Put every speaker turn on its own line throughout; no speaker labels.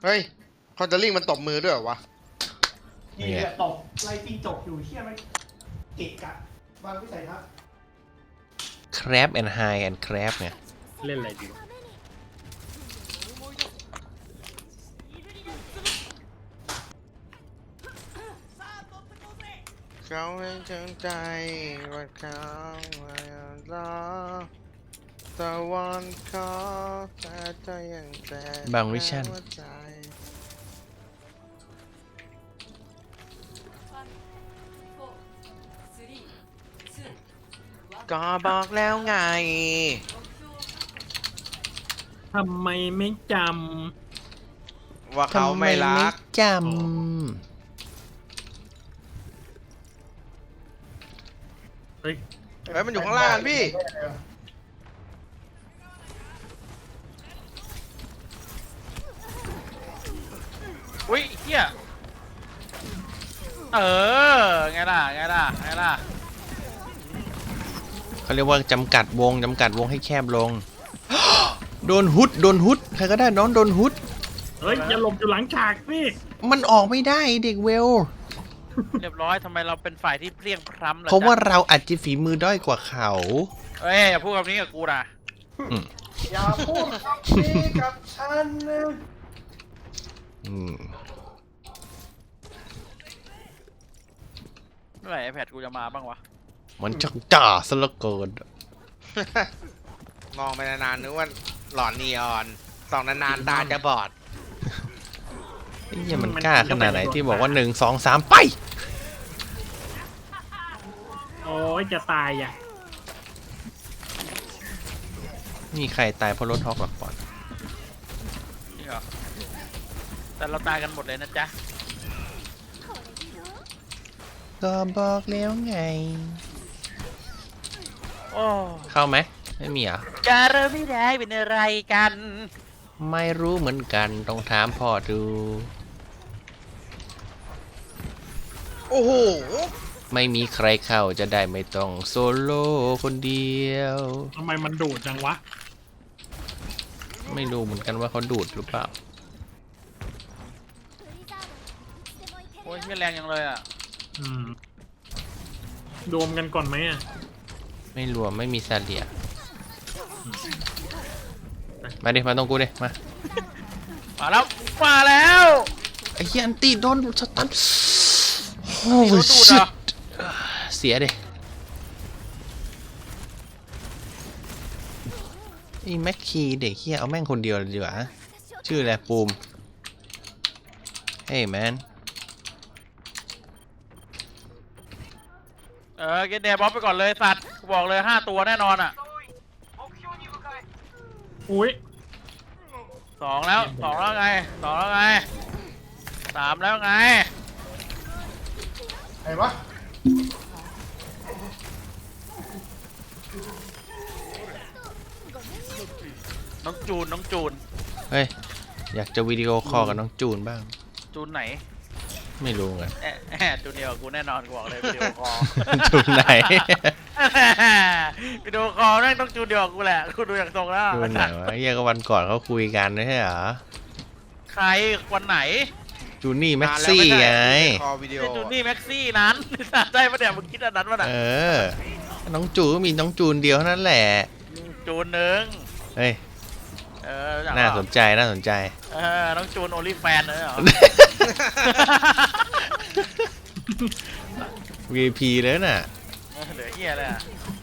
เฮ้ยคอนเทอร์ลิงมันตบมือด้วยเหรอวะ
นี่แหละตกไล่ตีจกอยู่เชี่ยมันเกะกะวางวิสัยทัศน์
crab and high and crab ไง
เล่นอะไรดีวะ
เขาให้จังใจว่าเขาไม่รอตะวันขอแต่ใจยังแต่
บางวิชั่น
หัวใจก็บอกแล้วไง
ทำไมไม่จ
ว่าเขาไม่รัก
จ
ำเฮ้ย
เฮ้ยมันอยู่ข้างล่างพี่
อุ้ยเฮียไงล่ะไงล่ะไงล่ะ
ำเขาเรียกว่าจำกัดวงให้แคบลง โดนฮุดใครก็ได้น้องโดนฮุด
เฮ้ยอย่าหลบอยู่หลังฉากสิ
มันออกไม่ได้เด็กเวล
เรียบร้อยทำไมเราเป็นฝ่ายที่เพลียงพล้ำล่ะ
เพราะว่า
จ๊
เราอาจจะฝีมือด้อยกว่าเขา
เอ้ยอย่าพูดคำนี้กับกูนะ
อย่าพูดคำนี้กับฉันนะ
อืม
เมื่อไหร่ไอแพดกูจะมาบ้างวะ
มันจังจ่าซะเหลือเกิน
มองไปนานๆนึกว่าหลอนนีออนส่องนานๆตาจะบอด
ไอ้เหี้ยมันกล้าขนาดไหนที่บอกว่า1 2 3 ไป
โอ้ยจะตายอ่ะ
มีใครตายเพราะรถฮอกหรอกปอน
จริงเหรอแต่เราตายกันหมดเลยนะจ๊ะ
ก็บอกแล้วไง
โอ้
เข้าไหมไม่มีเหรอ่ะ
จะเริ่มไม่ได้เป็นอะไรกัน
ไม่รู้เหมือนกันต้องถามพ่อดู
โอ้โห
ไม่มีใครเข้าจะได้ไม่ต้องโซโล่คนเดียว
ทำไมมันดูดจังวะ
ไม่รู้เหมือนกันว่าเขาดูดหรือเปล่า
โอ้ยเฮียแรงยังเลยอ่ะ
อืมรวมกันก่อนไหมอ่ะ
ไม่รวมไม่มีซาเลียมาดิมาตรงกูดิมา
มาแล้วมาแล้ว
ไอ้เหี้ยอันตีโดนสตันโอ้
โดนดูดเหรอ
เสียดิไอ้แม็กคีเด็กเฮียเอาแม่งคนเดียวเลยดีกว่าชื่ออะไรปูมเฮ้ยแมน
เกนเดย์บ๊อบไปก่อนเลยสัตว์กูบอกเลย5 ตัวแน่นอนอ่ะ
อุ้ย
2แล้วไง2แล้วไง3แล้วไง
ไหนวะ
น้องจูน
เฮ้ยอยากจะวิดีโอคอลกับน้องจูนบ้าง
จูนไหน
ไม่รู้ไง
จูนเดียวกับกูแน่นอนกูบอกเลยวิดีโอคอล
จูนไหน
วิดีโอคอลนั่นต้องจูนเดียวกับกูแหละกูดูอย่างทรงแล้ว
จูนไหนวะเฮียก็วันก่อนเขาคุยกันไม่ใช่เหรอ
ใครวันไหน
จูนี่แม็กซี่ไง
คอวิดีโอ
ไอ้จูนนี่แม็กซี่นั้นใช่ปะเนี่ยมึงคิดอันนั้นปะเนี่ย
เออน้องจูนก็มีน้องจูนเดียวเท่านั้นแหละ
จูนหนึ่ง
เฮ้ย
รู้จัก
น่า
เปล่
สนใจน่าสนใจ
น้องจูนโอลิแฟนเลยเหรอ
VIP เลยน่ะ
เหลือเฮียเลยอะ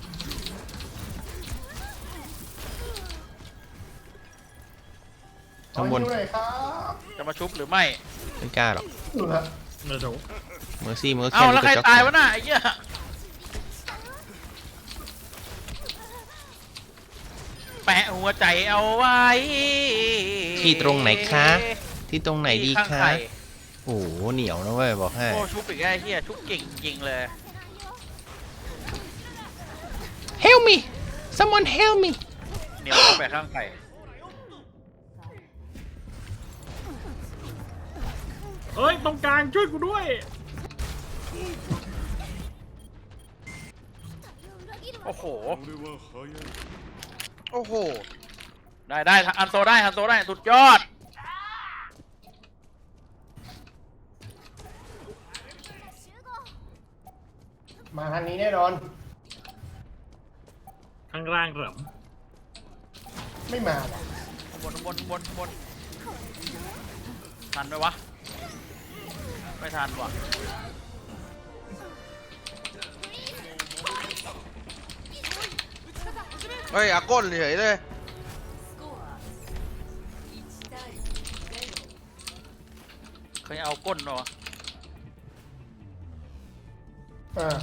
ข้างบน
ขออยู่หน่อยครับ
จะมาชุบหรือไม่
ไม่กล้าหรอก
อยู่ละ
เดี๋ยว
เมอร์ซี่มันก็
เอ้า
แค่
แล้วใคร
กระจอก
ตายวะน่ะไอ้เหี้ยแปะหัวใจเอาไว้
ที่ตรงไหนคะที่ตรงไหนดี
ข้าง
คะ
ไข่
โอ้โหเหนียวนะเว้ยบอกให้
โอ้ชุบอีกไอ้เหี้ยชุบเก่งจริงเลย
Help me someone help me
เหนียวเข้าไปข้างไข่
เฮ้ยตรงกลางช่วยกูด้วย
โอ้โห
โอ้โห
ได้ฮันโซได้สุดยอด
มาทางนี้แน่นอน
ข้างล่างเหรอ
ไม่มาว่ะ
บนทันไหมวะไม่ทันว่ะ
เฮ้ยอาก้นเฉยเลย
เคยเอาก้นเหรอ
อ่า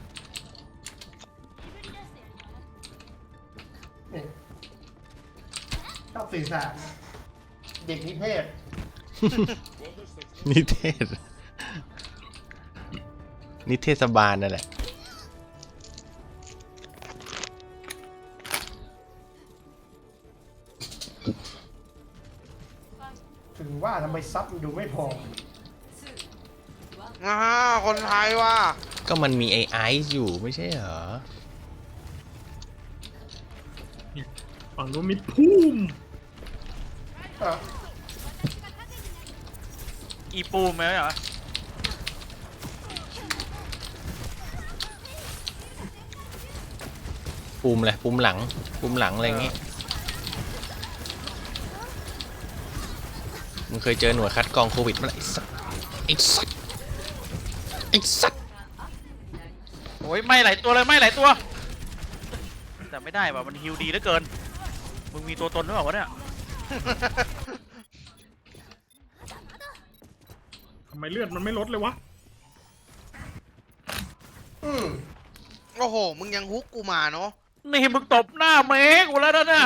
นี่ชอบสื่อสารเด็กนิเทศ
นิเทศ นิเทศบาลนั่นแหละ
ถึงว่าทำไมซับมันดูไม่พอ
คนไทยว่ะ
ก็มันมีไอไอซ์อยู่ไม่ใช่เหรอ
ฝั่งนู้นมีพุ่ม
อ่ะ
อีปูมไหมเหรอ
ปุ่มอะไรปุ่มหลังปุ่มหลังอะไรอย่างงี้มึงเคยเจอหน่วยคัดกรองโควิดมั้ยไอ้สัสไอ้สัสไอ้สัส
โอ้ยไม่หลายตัวเลยไม่หลายตัวแต่ไม่ได้ว่ะมันฮิวดีเหลือเกินมึงมีตัวตนหรือเปล่าวะเนี่ย
ทำไมเลือดมันไม่ลดเลยวะ
อืม
โอ้โห มึงยังฮุกกูมาเนาะ
นี่มึงตบหน้าเมฆกูแล้วนะเนี่ย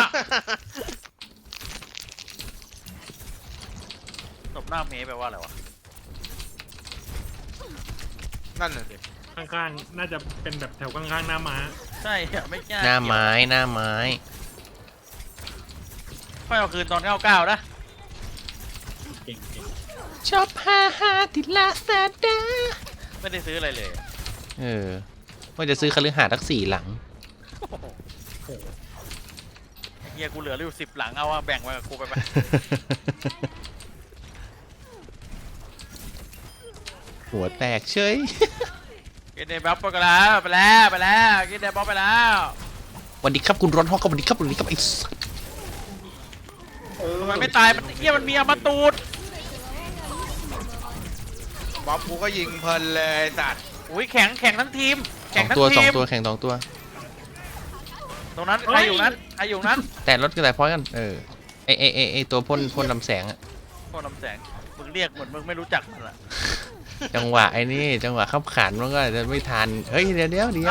ตบหน้าเมฆแปลว่าอะไรวะ
นั่นน่ะดิ
ข้างๆน่าจะเป็นแบบแถวข้างๆหน้าม้า
ใช่อะไม่ใช่
หน้าไม้หน้าไม้
ค่อยเอาคืนตอน99นะ
เก่ง
ชอบฮาฮาติดละซาดา
ไม่ได้ซื้ออะไรเลย
ว่าจะซื้อคฤหาสน์ทั้ง4 หลัง
โอ้โหเฮียกูเหลืออยู่10 หลังเอาอะแบ่งไว้กับกูไปไป
หัวแตกเฉย
กินเดบัฟไปแล้วไปแล้วกินเดบัฟไปแล้ว
สวัสดีครับคุณร้อนฮอกครับสวัสดีครับสวัสดีครับไอ้สัส
ทำไมไม่ตายมันเฮียมันมีอมตูด
บ๊อบกูก็ยิงเพลินเลยสัตว์
อุ้ยแข็งทั้งทีม
ส
แข่
อง ง
ทั้ง
ตัว
ทีม
แข่ง2 ตัว
ตรงนั้นใครอยู่นั้น
แต่รถก็แต่พอยกันไอตัวพ่นลำแสงอะ
โคตรลำแสงมึงเรียกเหมือนมึงไม่รู้จักมันละ
จังหวะไอ้นี่จังหวะขับขันมันก็อาจจะไม่ทันเฮ้ยเดี๋ยวเลยเดี๋ยว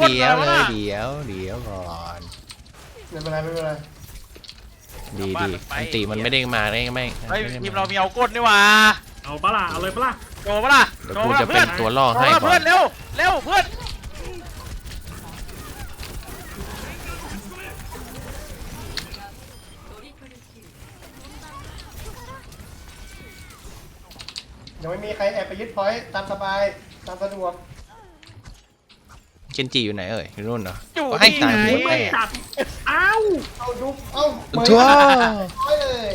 ก่อน
ไม่เป็นไรไม่เป็นไร
ดีอันติมันไม่ได้มาได้ไม่
เฮ้ย
ไม่ได้
ทีมเรามีเอาก้นนี่หว่า
เอาปะล่ะเอาเลยปะล่ะ
โจปะล่ะ
เดี๋ยวกูจะเป็นตัวล่อ
โจ
ให้
ปะ
ก่อ
เพื่อน นเร็วเพื่อน
ยังไม่มีใครแอบไปยึดพอยต์ตามสบายตามสะดวก
เคนจิอยู่ไหนเอ่ยอยู่นู่นเหรอ
อยู่
ก็ให้
ที่
ตาย
ไหน
หัวแต
ไม่
ก
จัดอ้าว
เอาดูเอาเปิด
ทั่ว
ร้อยเลย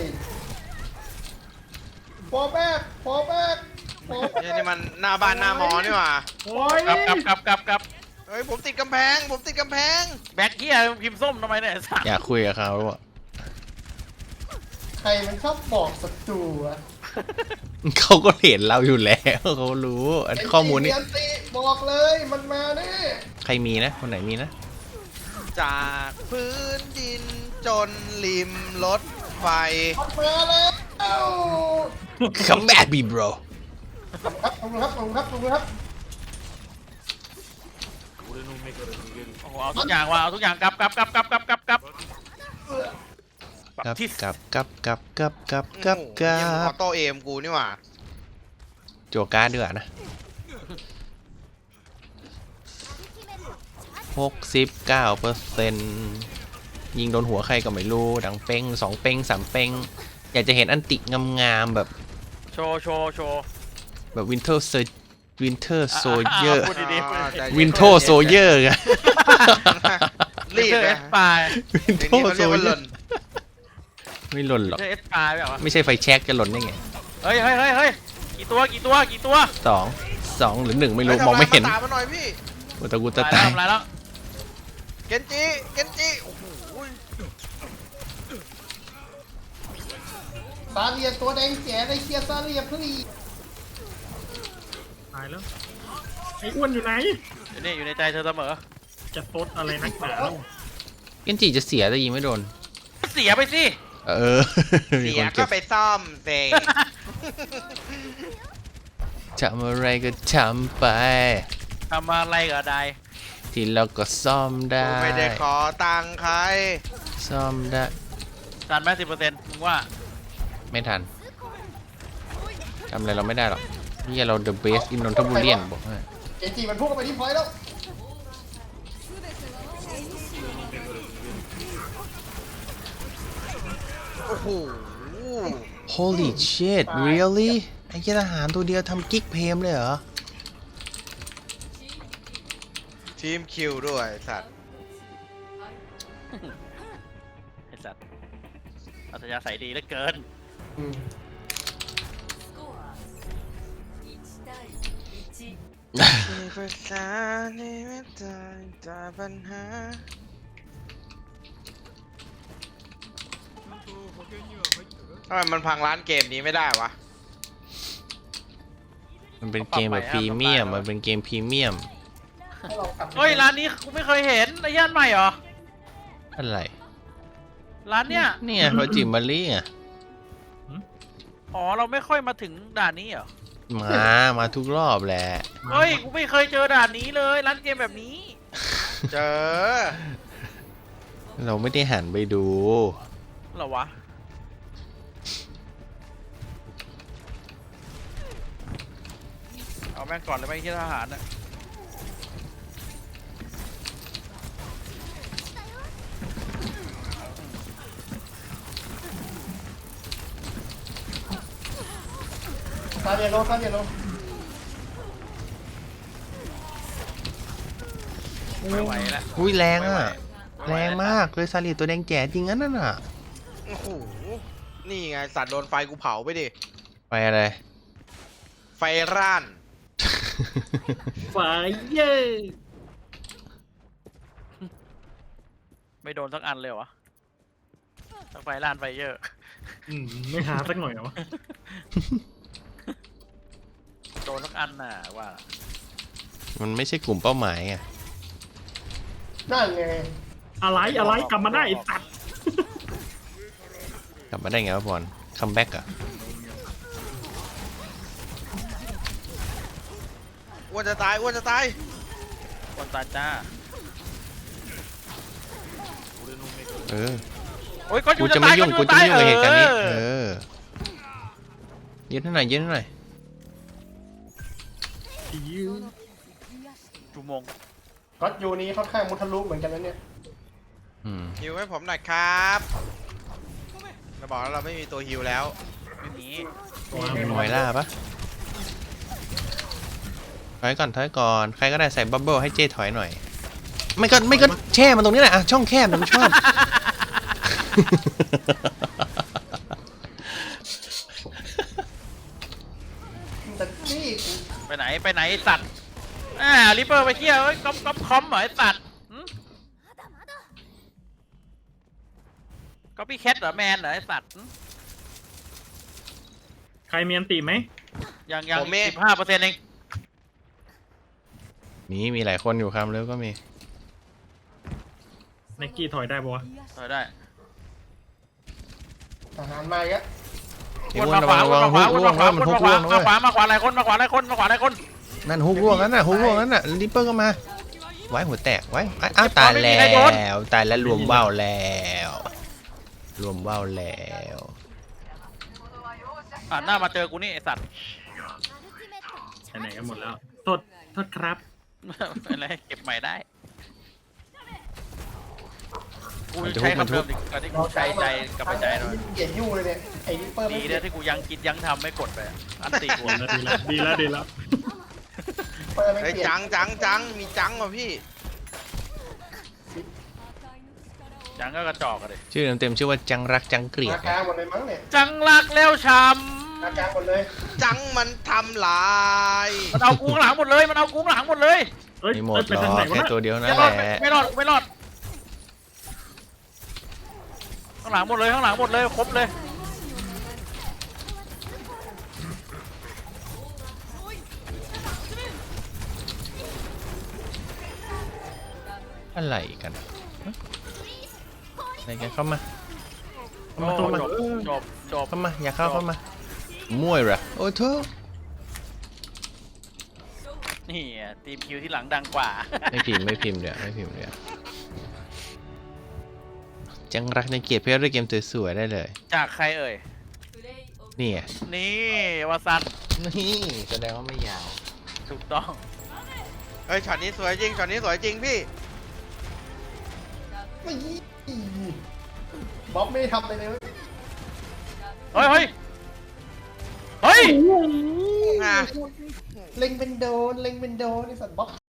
พอแป๊กพอแป๊กพอแป๊ก
นี่มันหน้าบ้านหน้าหมอนี่หว่า
โอ้ย
กลับ
เฮ้ยผมติดกำแพง
แบ็คเฮียพิมพ์ส้มทำไมเนี่ยไอ้สัส
อยากคุยกับเขาอะ
ใครมันชอบบอกศัตรูอะ
เขาก็เห็นเราอยู่แล้วเขารู้ข้อมูลนี้
เอ็นตีบอกเลยมันมาแน่
ใครมีนะคนไหนมีนะ
จากพื้นดินจนริมรถไฟ
มันมาแล้ว
Come back me bro
ครับขอบคุณครับขอบคุณครับขอบคุณครับ
โอ้โหเอาทุกอย่างว่ะเอาทุกอย่างกลับ
กับ
ที่
กับ
ออโต้เอมกูนี่หว่า
โจการ์ดดีกว่านะ69%ยิงโดนหัวใครก็ไม่รู้ดังเป้ง2 เป้ง 3 เป้งอยากจะเห็นอันติงามๆแบบ
โชว์
แบบวินเทอร์โซเยอร์
พูดดีๆ
ใจเย็น
วินโทโซเยอร์ไง
รีบ
เอ
นะ
สปาย
วิน
ที
โท
นี้เขา
โซ
เรียกว่า
เย
ห
อ
ล่น
ร์ไม่หล่นหรอก
เอสปายแบบว่า
ไม่ใช่ไฟแช็กจะหล่นได้ไง
เฮ้ยกี่ตัว
2 หรือ 1 ไม่รู้
เฮ้ย
มองไม่เห็น
ทำลายภาษามาหน่อยพี่
โอ้ตะกูตะ
ตาย
ตา
แล้ว
ย
ทำลายแล้ว
เกนจิเกนจิโอ้โห
ซาเลียตัวแดงแจ๋ไอ้เคียซาเลียพลี
ตายแล้วไอ้อ้วนอยู่ไหน
อยู่นี่อยู่ในใจเธอเสมอ
จะตดอะไรนักหนาแล้ว
เกนจิจะเสียแต่ยิงไม่โดน
เสียไปสิ
เออ มี
เสี
ค
ย
น
ก็
เก็บ
ไปซ่อมเซ
ทำอะไรก็ทำไป
ทำอะไรก็ได้
ที่เราก็ซ่อมได้
ไม่ได้ขอตังค์ใคร
ซ่อมได้
ทันไหม10%มึงว่า
ไม่ทันทำอะไรเราไม่ได้หรอกนี่เรา the best in นนทบุรีบอกให้
เกจิมันพุ่งเข้าไปที่พอยต์แล้ว
โอ้โห
Holy shit really ไอ้เจ้าทหารตัวเดียวทำกิ๊กเพมเลยเหรอ
ทีมคิวด้วยสัตว์
ไอ้สัตว์อัธยาศัยดีเหลือเกิน
มีภาษาที่ไม่ตายแต่ปัญหาทำไมมันพังร้านเกมนี้ไม่ได้วะ
มันเป็นเกมแบบพรีเมียมมันเป็นเกมพรีเมียม
ให้เรากลับ
เฮ้ยร้านนี้กูไม่เคยเห็นไอ้ย่านใหม่เหรอ
อะไร
ร้านเนี้ย
เนี่ยพอจิมมารีอ่ะ
อ๋อเราไม่ค่อยมาถึงด่านนี้เหรอ
มาทุกรอบแหละ
เฮ้ยกูไม่เคยเจอด่านนี้เลยร้านเกมแบบนี้
เจอ
เราไม่ได้หันไปดู
เหรอวะเอาแม่งก่อนเลยไหมที่ทหารน่ะ
ซาเลียโลซาเลียโล
ไม่ไหวแล้ว
อุ้ยแรงอ่ะ
ไม่ไหว
แรงมากเลยซาลีตัวแดงแจ๋จริงงั้นน่ะ
โอ้โห นี่ไงสัตว์โดนไฟกูเผาไปดิ
ไปอะไร
ไฟร่าน
ฝ่ายเย่
ไม่โดนสักอันเลยเหรอวะสักไฟล้านไฟเยอะ
ไม่หาสักหน่อยเหรอวะ
โดนสักอันน่ะว่า
มันไม่ใช่กลุ่มเป้าหมายไง
นั่นไง
อะไรกลับมาได้ไอ้สัตว์
กลับมาได้ไงวะบอลคัมแบ็กอ่ะ
อ้วนจะตาย อ้วนจะตาย
คนตาจ้า
เออ
โอ้ยก็อ
กู
ยู่
จะไม่ยุ่งกูจะไม่ยุ่งกับเหตุการณ์นี้
เอ
เอ
อ
อยืนให้หน่อยยืนให้หน่อย
ชั่วโมง
ก็อยู่นี้ค่อนข้างมุทะลุเหมือนกันนะเนี่ย
อืม
ฮิวให้ผมหน่อยครับเราบอกแล้วเราไม่มีตัวฮิวแล้ว
ไม่มี
มีมอยล่าปะถอยก่อนถอยก่อนใครก็ได้ใส่บับเบิ้ลให้เจ้ถอยหน่อย ไม่ก็แช่มันตรงนี้แหละอ่ะช่องแคบมันชอบ
แต่นี่
ไปไหนไอ้สัตว์ริปเปอร์ไปเที่ยวเอ้ยก๊อปคอมเหรอไอ้สัตว์ก๊อปปี้แคทเหรอแมนเหรอไอ้สัตว์
ใครมีอันตีไหม
ยัง
ผมเอง
15%เอง
มีหลายคนอยู่ครับแล้วก็มี
ไนกี้ถอยได้ปะวะ
ถอยได้
ทหารมาอีกแล้ว
ไอ้
วน
อ้วน
มา
ระ
ข
วั
วาง วน
ระวั
มาง ขวา
ฮุ
ว
ก
น
ร่ว
มาง ขวา
มัน
วน
ฮุกร่วงนะ
มา
เว้ย
ขวาหลายคนมาขวาหลายคนมาขวาหลายคน
นั่นฮุกร่วงนั่นน่ะฮุกร่วงนั่นน่ะริปเปอร์ก็มา ไว้หัวแตกไว้อ้าวตายแล้วตายแล้วรวมว่าวแล้วรวมว่าวแล้ว
หน้ามาเจอกูนี่ไอ้สัตว์
ไหนๆกันหมดแล้วโทษครับ
อะไรเก็บใหม่ได้กูใช้คำเดิมดิการที่กูใช้ใจกับใจหน่อย
เกลียดยู่เลยเนี่ยไอ้ริปเปอร์ไม่
ดี
เกลีย
นะ
ด
ที่กูยังคิดยังทำไม่กดไปอันตีกู
ดีแล้ว
เปอร์ไม่
เฮ้ย
เกลียด
จังมีจังว่ะพี่
ยังก็กระจอกอะดิ
ชื่อเต็มๆชื่อว่าจังรักจังเกลีย
มา
ด
กลางหมดเลยมั้งเนี่ย
จังรักแล้วช้
มากลางหมดเลย
จังมันทำลาย
ำมันเอากูข้างหลังหมดเลยมันเอากูข้างหลังหมดเลย
เอเฮ้ย
ไม่หมด
เอ้ย
หร
ไป
อ
ทางไหน
ก
วะ
แค่
น่ะ
ตัวเดียวนั่
ไม่
น
รอด
แหละ
ไม่รอดไม่รอดข้างหลังหมดเลยข้างหลังหมดเลยครบเลย
อะไรกันอะไรกันเข้ามา
โอ้
เข้ามา
จบ
เข้ามาอย่าเข้าเข้ามามั่วเหรอโอ้โธ่
นี่อ่ะทีมคิวที่หลังดังกว่า
ไม่พิมพ์เดี๋ยวไม่พิมพ์เดี๋ยวจังรักในเกียรติเพื่อเล่นเกมสวยๆได้เลย
จากใครเอ่ย
นี่ไง
นี่วาซัน
นี่แสดงว่าไม่ยาว
ถูกต้อง
เฮ้ยช็อตนี้สวยจริงช็อตนี้สวยจริงพี่
บ๊อบไม่ได้ทำอะไรเลย
เฮ้ยเฮ้ยเฮ้ย
อ่ะ
เล็งเป็นโดนไอ้สัตว์บ๊อบ